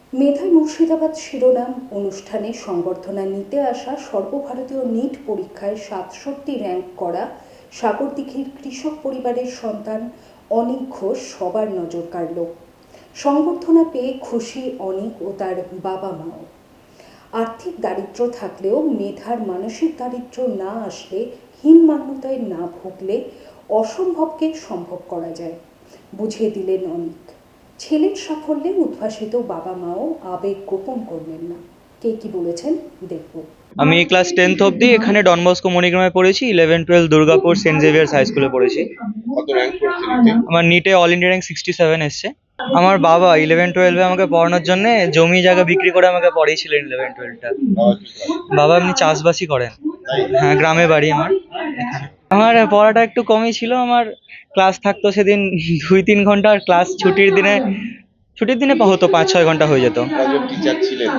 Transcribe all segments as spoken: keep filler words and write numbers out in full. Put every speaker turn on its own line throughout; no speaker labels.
মেধাই মুর্শিদাবাদ শিরোনাম অনুষ্ঠানে সংবর্ধনা নিতে আসা সর্বভারতীয় নিট পরীক্ষায় সাতষট্টি র্যাঙ্ক করা সাগরদিঘির কৃষক পরিবারের সন্তান অনিক ঘোষ সবার নজর কাড়ল। সংবর্ধনা পেয়ে খুশি অনিক ও তার বাবা মাও। আর্থিক দারিদ্র্য থাকলেও মেধার মানসিক দারিদ্র্য না আসলে, হীনমান্যতায় না ভুগলে অসম্ভবকে সম্ভব করা যায়, বুঝিয়ে দিলেন অনিক। ছেলের সাফল্যে উদ্ভাসিত বাবা মাও আবেগ গোপন করলেন না। কে কি বলেছেন দেখব।
আমি ক্লাস টেন্থ অবধি এখানে ডন বস্কো মণিগ্রামে পড়েছি। Eleven twelve Durgapur Saint Xavier's high স্কুলে পড়েছি।
কত র্যাঙ্ক করেছিলেন?
আমার নিটে all India rank sixty seven এসছে। আমার বাবা ইলেভেন টুয়েলভে আমাকে পড়ানোর জন্য জমি জায়গা বিক্রি করে আমাকে পড়িয়েছিলেন ইলেভেন টুয়েলভটা। বাবা এমনি চাষবাসই করেন। হ্যাঁ, গ্রামে বাড়ি আমার। আমার পড়াটা একটু কমই ছিল। আমার ক্লাস থাকতো সেদিন দুই তিন ঘন্টা, আর ক্লাস ছুটির দিনে ছুটির দিনে হতো পাঁচ ছয় ঘন্টা হয়ে যেত।
কজন টিচার ছিলেন?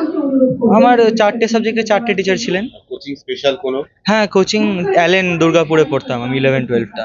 আমার চারটে সাবজেক্টে চারটে টিচার ছিলেন।
কোচিং স্পেশাল কোনো?
হ্যাঁ, কোচিং অ্যালেন দুর্গাপুরে পড়তাম আমি ইলেভেন টুয়েলভটা।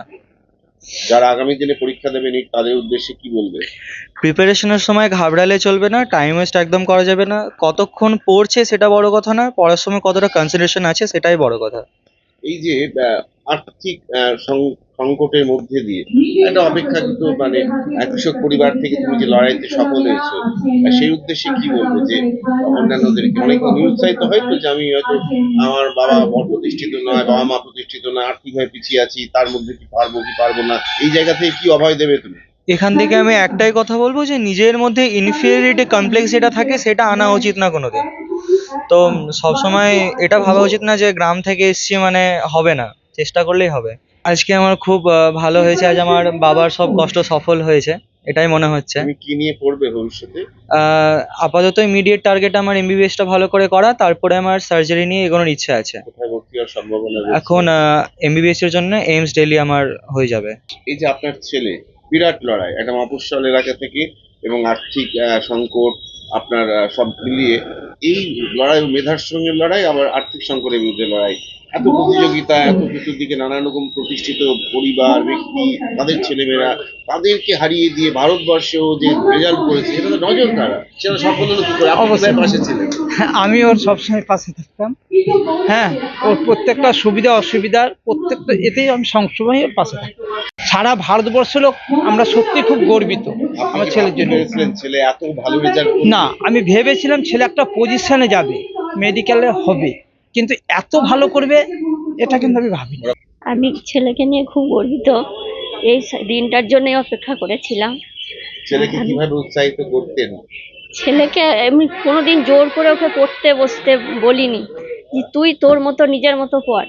যারা আগামী দিনে পরীক্ষা দেবে নিট, তাদের উদ্দেশ্যে কি বলবে?
প্রিপারেশনের সময় ঘাবড়ালে চলবে না, টাইম ওয়েস্ট একদম করা যাবে না। কতক্ষণ পড়ছে সেটা বড় কথা না, পড়ার সময় কতটা কনসেন্ট্রেশন আছে সেটাই বড় কথা।
এই যে আহ, আর্থিক আহ, সং- সংকটের মধ্যে দিয়ে একটা অপেক্ষাকৃত মানে আহ, কৃষক পরিবার থেকে তুমি যে লড়াইতে সফল হয়েছো, আহ, সেই উদ্দেশ্যে কি বলবে? যে অন্যান্যদেরকে অনেক নিরুৎসাহিত হয়তো যে আমি হয়তো আমার বাবা বড় প্রতিষ্ঠিত নয়, বাবা মা প্রতিষ্ঠিত না, আর্থিকভাবে পিছিয়ে আছি, তার মধ্যে কি পারবো কি পারবো না, এই জায়গা থেকে কি অভয় দেবে তুমি?
এখান থেকে আমি একটাই কথা বলবো যে নিজের মধ্যে ইনফিরিয়রিটি কমপ্লেক্স যেটা থাকে সেটা আনা উচিত না কোনোদিন। তো সবসময় এটা ভাবা উচিত না যে গ্রাম থেকে এসছি মানে হবে না, চেষ্টা করলেই হবে। আজকে আমার খুব আহ, ভালো হয়েছে, আজ আমার বাবার সব কষ্ট সফল হয়েছে, এটাই মনে হচ্ছে।
তুমি কি নিয়ে পড়বে ভবিষ্যতে?
আহ, আপাতত ইমিডিয়েট টার্গেট আমার এমবিবিএসটা ভালো করে করা, তারপরে আমার সার্জারি নিয়ে এগোনোর ইচ্ছা আছে।
কোথায় ভর্তি হওয়ার সম্ভাবনা রয়েছে?
এখন এমবিবিএস এর জন্য এইমস দিল্লি আমার হয়ে যাবে।
এই যে আপনার ছেলে বিরাট লড়াই, একটা মফস্বল এলাকা থেকে এবং আর্থিক আহ, সংকট আপনার আহ, সব মিলিয়ে এই লড়াই, মেধার সঙ্গে লড়াই, আবার আর্থিক সংকটের বিরুদ্ধে লড়াই, এত প্রতিযোগিতা, এত চতুর্দিকে নানান রকম প্রতিষ্ঠিত পরিবার, ব্যক্তি, তাদের ছেলেমেয়েরা, তাদেরকে হারিয়ে দিয়ে ভারতবর্ষেও যে রেজাল্ট করেছে, সেটা তো নজর কাড়া। সেটা সফল হলো কি করে? আপনি কোথায় পাশে ছিলেন?
আমি ওর সবসময় পাশে থাকতাম। হ্যাঁ, ওর প্রত্যেকটা সুবিধা অসুবিধার প্রত্যেকটা এতেই আমি সবসময় ওর পাশে থাকতাম। সারা ভারতবর্ষের লোক আমরা সত্যি খুব গর্বিত আমার ছেলের জন্য।
ভেবেছিলেন ছেলে এত ভালো রেজাল্ট?
না, আমি ভেবেছিলাম ছেলে একটা পজিশনে যাবে, মেডিকেলে হবে, কিন্তু এত ভালো করবে এটা কিন্তু আমি ভাবিনি।
আমি ছেলেকে নিয়ে খুব গর্বিত। এই দিনটার জন্যই অপেক্ষা করেছিলাম।
ছেলেকে কিভাবে উৎসাহিত করতেন?
ছেলেকে আমি কোনোদিন জোর করে ওকে পড়তে বসতে বলিনি, যে তুই তোর মতো নিজের মতো পড়।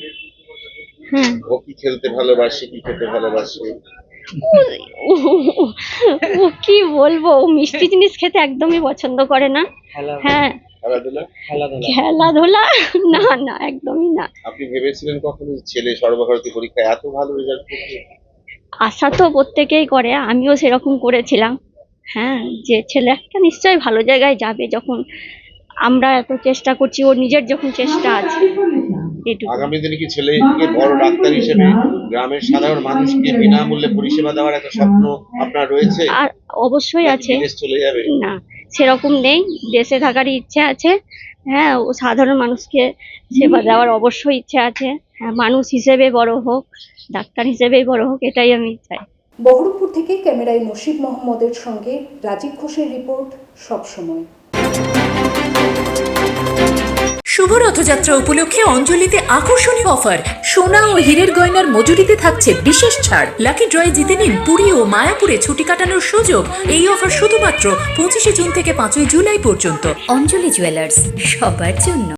হ্যাঁ,
ও কি খেলতে ভালোবাসে, কি খেতে ভালোবাসে?
ও- ও কি বলবো, ও মিষ্টি জিনিস খেতে একদমই পছন্দ করে না। হ্যাঁ,
খেলাধুলা?
খেলাধুলা না না, একদমই না।
আপনি ভেবেছিলেন কখনো যে ছেলে সর্বভারতীয় পরীক্ষায় এত ভালো রেজাল্ট করবে?
আশা তো প্রত্যেকেই করে, আমিও সেরকম করেছিলাম। হ্যাঁ, যে ছেলে একটা নিশ্চয়ই ভালো জায়গায় যাবে, যখন আমরা এত চেষ্টা করছি, ওর নিজের যখন চেষ্টা আছে। এটুকু।
আগামী দিনে কি ছেলেকে বড় ডাক্তার হিসেবে গ্রামের সাধারণ মানুষকে বিনামূল্যে পরিষেবা দেওয়ার একটা স্বপ্ন আপনার রয়েছে?
আর অবশ্যই আছে।
বিদেশ চলে যাবে?
না, সেরকম নেই, দেশে থাকারই ইচ্ছে আছে। হ্যাঁ, ও সাধারণ মানুষকে সেবা দেওয়ার অবশ্যই ইচ্ছে আছে। হ্যাঁ, মানুষ হিসেবে বড় হোক, ডাক্তার হিসেবেই বড় হোক, এটাই আমি চাই।
বহরমপুর থেকে ক্যামেরায় নসিব মোহাম্মদের সঙ্গে রাজীব ঘোষের রিপোর্ট সবসময়।
শুভ রথযাত্রা উপলক্ষে অঞ্জলিতে আকর্ষণীয় অফার, সোনা ও হীরের গয়নার মজুরিতে থাকছে বিশেষ ছাড়। লাকি ড্রয়ে জিতে নিন পুরী ও মায়াপুরে ছুটি কাটানোর সুযোগ। এই অফার শুধুমাত্র পঁচিশে জুন থেকে পাঁচই জুলাই পর্যন্ত। অঞ্জলি জুয়েলার্স, সবার জন্য।